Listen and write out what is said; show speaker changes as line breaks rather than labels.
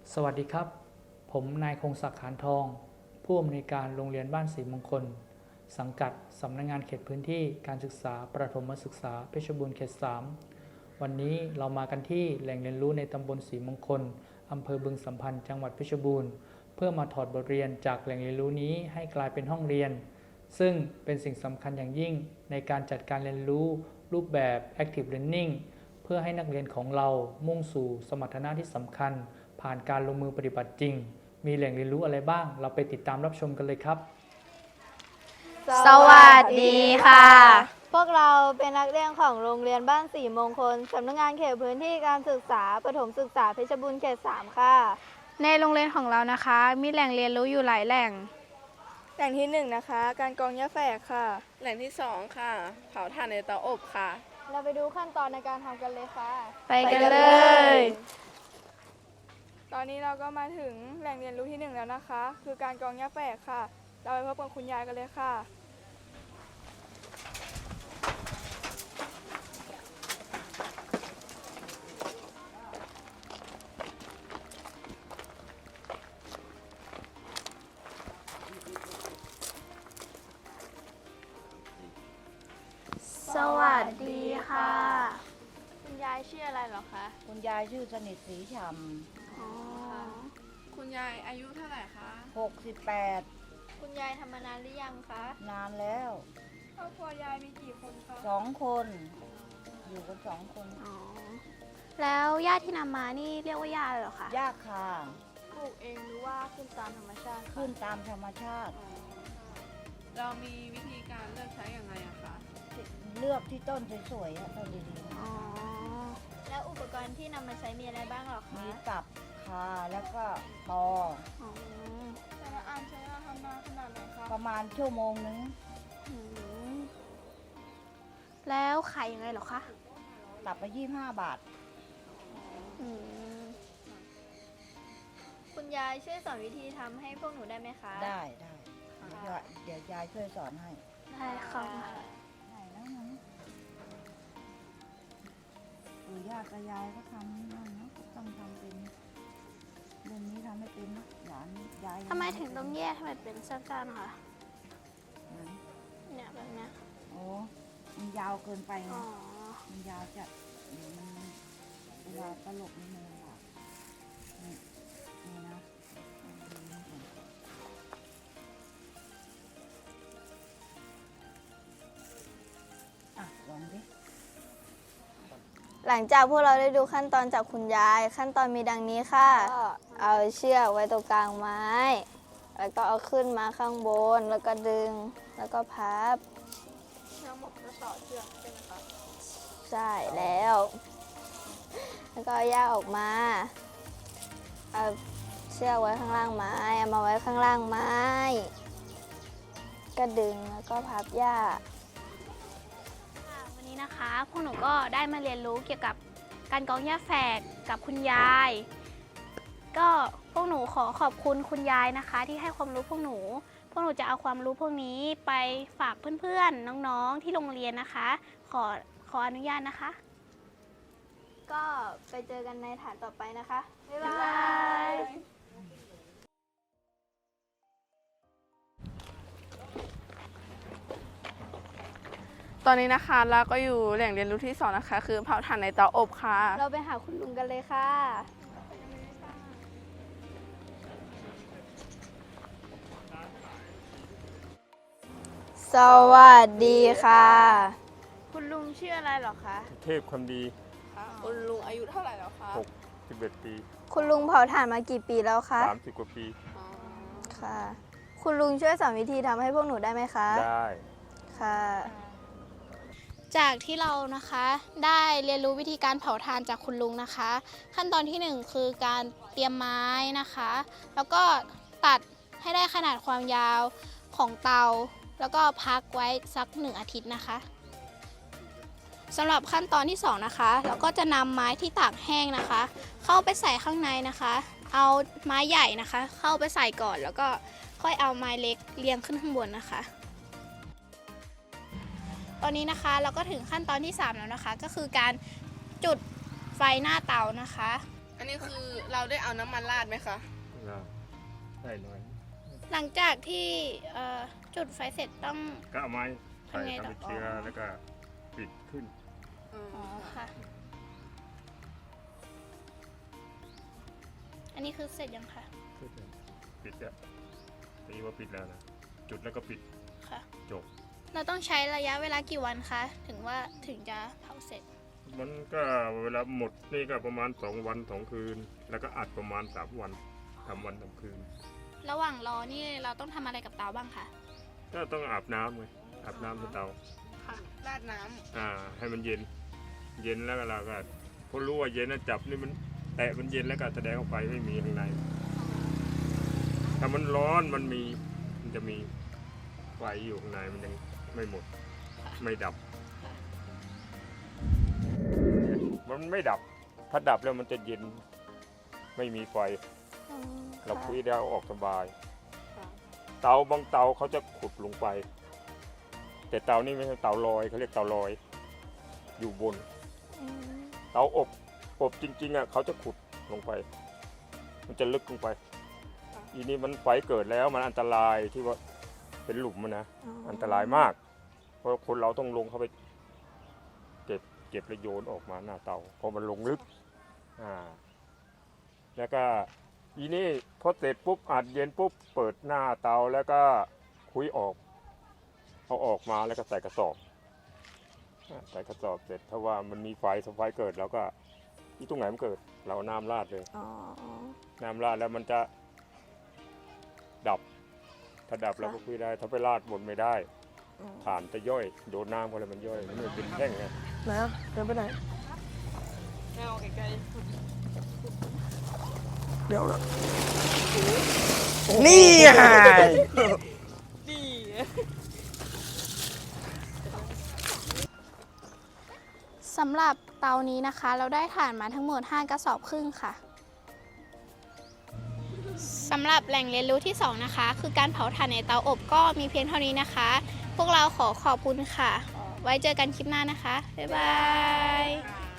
สวัสดีครับผมนายคงศักดิ์ขานทองผู้อำนวยการโรงเรียนบ้านศรีมงคลสังกัดสำนักงานเขตพื้นที่การศึกษาประถมศึกษาเพชรบูรณ์เขต 3วันนี้เรามากันที่แหล่งเรียนรู้ในตำบลศรีมงคลอำเภอบึงสัมพันธ์จังหวัดเพชรบูรณ์เพื่อมาถอดบทเรียนจากแหล่งเรียนรู้นี้ให้กลายเป็นห้องเรียนซึ่งเป็นสิ่งสำคัญอย่างยิ่งในการจัดการเรียนรู้รูปแบบ Active Learning เพื่อให้นักเรียนของเรามุ่งสู่สมรรถนะที่สำคัญผ่านการลงมือปฏิบัติจริงมีแหล่งเรียนรู้อะไรบ้างเราไปติดตามรับชมกันเลยครับ
สวัสดีค่ะ
พวกเราเป็นนักเรียนของโรงเรียนบ้านศรีมงคลสำนักงานเขตพื้นที่การศึกษาประถมศึกษาเพชรบูรณ์เขต 3 ค่ะ
ในโรงเรียนของเรานะคะมีแหล่งเรียนรู้อยู่หลายแหล่ง
แหล่งที่1นะคะการกรองหญ้าแฝกค่ะ
แหล่งที่2ค่ะเผาถ่านในเตาอบค่ะ
เราไปดูขั้นตอนในการทำกันเลยค่ะ
ไปกันเลย
ตอนนี้เราก็มาถึงแหล่งเรียนรู้ที่1แล้วนะคะ คือการกรองหญ้าแฝกค่ะ เราไปพบกับคุณยายกันเลยค่ะ
สวัสดีค่ะ
คุณยายชื่ออะไรเหรอคะ
คุณยายชื่อสนิทศรีฉ่
คุณยายอายุเท่าไหร่คะ
ำ68
คุณยายทำมานานหรือยังคะ
นานแล้ว
ครอบครัวยายมีกี่คนคะ
2 คน อยู่กัน2 คน
แล้วหญ้าที่นำมานี่เรียกว่าหญ้าเลยเหรอคะ
ยากค่ะ
ปลูกเองหรือว่าขึ้นตามธรรมชาติคะ
ขึ้นตามธรรมชาติ
เรามีวิธีการเลือกใช้อย่างไรอะคะ
เลือกที่ต้นสวยๆอะต้นดี
อ๋อ
แล้วอุปกรณ์ที่นำมาใช้มีอะไรบ้างหรอ
ๆ
คะ
มีตับคาแล้วก็ตอ
อ๋อ
แต่ละอันใช้เวลาทำนานขนาดไหนคะ
ประมาณชั่วโมงนึง
อืมแล้วขายยังไงเหรอคะ
ตับไป25 บาท
อืม
คุณยายช่วยสอนวิธีทำให้พวกหนูได้ไหมคะ
ได้เดี๋ยวยายช่วยสอนให้
ได้ค่ะ
ได้แล้วนะปู่ย่าตายายก็ทำนั่นเนาะต้องทำเป็นเรื่องนี้ทำไม่เป็นนะหลานยาย
ทำไมถึงต้องแยกให้มันเป็นสั้นๆคะ
ไหน
เนี่ยแบบเนี้ย
โอ้มันยาวเกินไปไง
อ๋อ
มันยาวจัดเดี๋ยวมันเวลาตลกนี่มันลำบากนี่นะอ่ะลองดิ
หลังจากพวกเราได้ดูขั้นตอนจากคุณยาย ขั้นตอนมีดังนี้ค่ะ เอาเชือกไว้ตรงกลางไม้ แล้วก็เอาขึ้นมาข้างบน แล้วก็ดึง แล้วก็พับทั้งหมดก็ต่อเชือกใช่ไหมคะใช่แล้ว แล้วก็เอาหญ้าออกมา เอาเชือกไว้ข้างล่างไม้ เอามาไว้ข้างล่างไม้ ก็ดึงแล้วก็พับหญ้า
ค่ะวันนี้นะคะพวกหนูก็ได้มาเรียนรู้เกี่ยวกับการกรองหญ้าแฝกกับคุณยาย ก็พวกหนูขอขอบคุณคุณยายนะคะ ที่ให้ความรู้พวกหนูจะเอาความรู้พวกนี้ไปฝากเพื่อนๆน้องๆที่โรงเรียนนะคะ ขออนุญาตนะคะ
ก็ไปเจอกันในฐานต่อไปนะคะ บ๊ายบาย
ตอนนี้นะคะเราก็อยู่แหล่งเรียนรู้ที่2นะคะ คือเผาถ่านในเตาอบค่ะ
เราไปหาคุณลุงกันเลยค่ะ สวัสดีค่ะ คุณลุงชื่ออะไรเหรอคะ
เทพคำดี
คุณลุงอายุเท่าไหร่แล้วคะ
61 ปี
คุณลุงเผาถ่านมากี่ปีแล้วคะ
30 กว่าปี
ค่ะ คุณลุงช่วยสอนวิธีทำให้พวกหนูได้ไหมคะ
ได้
ค่ะ
จากที่เรานะคะได้เรียนรู้วิธีการเผาถ่านจากคุณลุงนะคะ ขั้นตอนที่ 1 คือการเตรียมไม้นะคะ แล้วก็ตัดให้ได้ขนาดความยาวของเตา แล้วก็พักไว้สัก1 อาทิตย์นะคะสำหรับขั้นตอนที่2นะคะเราก็จะนำไม้ที่ตากแห้งนะคะ เข้าไปใส่ข้างในนะคะ เอาไม้ใหญ่นะคะ เข้าไปใส่ก่อน แล้วก็ค่อยเอาไม้เล็กเรียงขึ้นข้างบนนะคะ ตอนนี้นะคะเราก็ถึงขั้นตอนที่3แล้วนะคะ ก็คือการจุดไฟหน้าเตานะคะ
อันนี้คือเราได้เอาน้ำมันราดไหมคะ
ได้หน่อย
หลังจากที่จุดไฟเสร็จต้อง
ก็เอาไม้ใส่
ทำไงต่อ
ทำเป็นเชื้อแล้วก็ปิดขึ้น
อ๋อค่ะ อันนี้คือเสร็จยังคะ
ปิดอะตีว่าปิดแล้วนะ จุดแล้วก็ปิด
ค่ะ
จบ
เราต้องใช้ระยะเวลากี่วันคะถึงจะเผาเสร็จ
มันก็เวลาหมดนี่ก็ประมาณ2 วัน 2 คืน แล้วก็อัดประมาณ3 วันทำวันทำคืน
ระหว่างรอนี่เราต้องทำอะไรกับเตาบ้างคะ
ก็ต้องอาบน้ำไงอาบน้ำในเตา
ค่ะ ราดน้ำ
ให้มันเย็น เย็นแล้วก็เราก็พอรู้ว่าเย็นนะจับนี่มันแตะมันเย็นแล้วก็แสดงออกไปไม่มีข้างใน ถ้ามันร้อนมันจะมีไฟอยู่ข้างในมันยังไม่หมด ไม่ดับ มันไม่ดับ ถ้าดับแล้วมันจะเย็น ไม่มีไฟ เราคุยได้เอาออกสบาย เตาบางเตาเขาจะขุดลงไป แต่เตานี่ไม่ใช่เตาลอยเขาเรียกเตาลอย อยู่บน เตาอบจริงๆอ่ะเขาจะขุดลงไป มันจะลึกลงไป อีนี้มันไฟเกิดแล้วมันอันตรายที่ว่าเป็นหลุมมันนะ อันตรายมาก เพราะคนเราต้องลงเข้าไปเก็บแล้วโยนออกมาหน้าเตาเพราะมันลงลึกแล้วก็อีนี่พอเสร็จปุ๊บอัดเย็นปุ๊บเปิดหน้าเตาแล้วก็คุยออกเอาออกมาแล้วก็ใส่กระสอบใส่กระสอบเสร็จถ้าว่ามันมีไฟเกิดแล้วก็ที่ตรงไหนมันเกิดเราเอาน้ำราดเลยน้ำราดแล้วมันจะดับ ถ้าดับเราก็คุยได้ถ้าไปราดบนไม่ได้ถ่านจะย่อยโดนน้ำอะไรมันย่อยมันไม่เป็นแท่งไง
ไหนเดินไปไหนไม่เอาไกลๆเดี๋ยวนะนี่ไงนี่
สำหรับเตานี้นะคะ เราได้ถ่านมาทั้งหมด5 กระสอบครึ่งค่ะสำหรับแหล่งเรียนรู้ที่ 2 นะคะ คือการเผาถ่านในเตาอบก็มีเพียงเท่านี้นะคะ พวกเราขอขอบคุณค่ะ ไว้เจอกันคลิปหน้านะคะ บ๊ายบาย